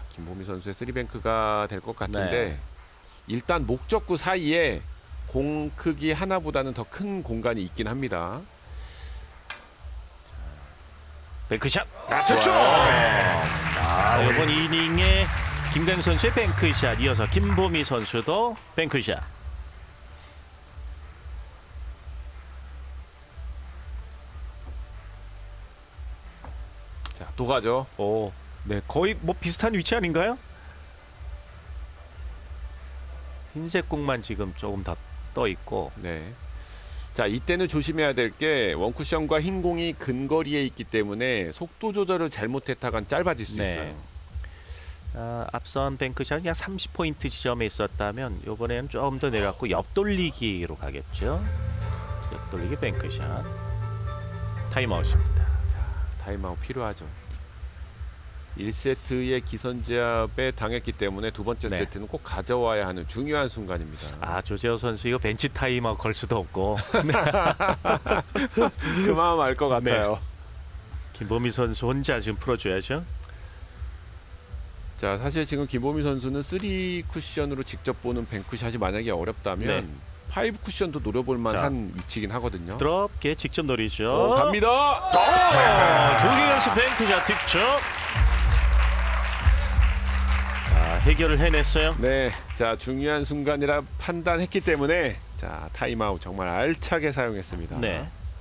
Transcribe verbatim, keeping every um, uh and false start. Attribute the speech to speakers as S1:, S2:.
S1: 김보미 선수의 쓰리뱅크가 될 것 같은데
S2: 네.
S1: 일단 목적구 사이에 공 크기 하나보다는 더 큰 공간이 있긴 합니다.
S2: 뱅크샷 낮췄죠. 아, 이번 이닝에 김강 선수의 뱅크샷 이어서 김보미 선수도 뱅크샷.
S1: 자, 또 가죠.
S2: 오, 네, 거의 뭐 비슷한 위치 아닌가요? 흰색 공만 지금 조금 더 떠 있고.
S1: 네. 자, 이때는 조심해야 될 게 원쿠션과 흰 공이 근거리에 있기 때문에 속도 조절을 잘못했다간 짧아질 수
S2: 네.
S1: 있어요.
S2: 아, 앞선 뱅크샷이 약 삼십 포인트 지점에 있었다면 이번에는 조금 더 내려갔고 옆돌리기로 가겠죠. 옆돌리기 뱅크샷. 타임아웃입니다.
S1: 타임아웃 필요하죠. 일 세트의 기선제압에 당했기 때문에 두 번째
S2: 네.
S1: 세트는 꼭 가져와야 하는 중요한 순간입니다.
S2: 아, 조재호 선수 이거 벤치 타임아웃 걸 수도 없고.
S1: 그 마음 알 것 같아요.
S2: 김보미 선수 혼자 지금 풀어줘야죠.
S1: 자, 사실 지금 김보미 선수는 쓰리 쿠션으로 직접 보는 뱅크샷이 만약에 어렵다면
S2: 네.
S1: 파이브 쿠션도 노려볼 만한 위치긴 하거든요.
S2: 부드럽게 직접 노리죠.
S1: 어, 갑니다.
S2: 자, 조기경수 뱅크샷 득점. 아, 해결을 해냈어요.
S1: 네, 자, 중요한 순간이라 판단했기 때문에 자, 타임아웃 정말 알차게 사용했습니다.
S2: 네.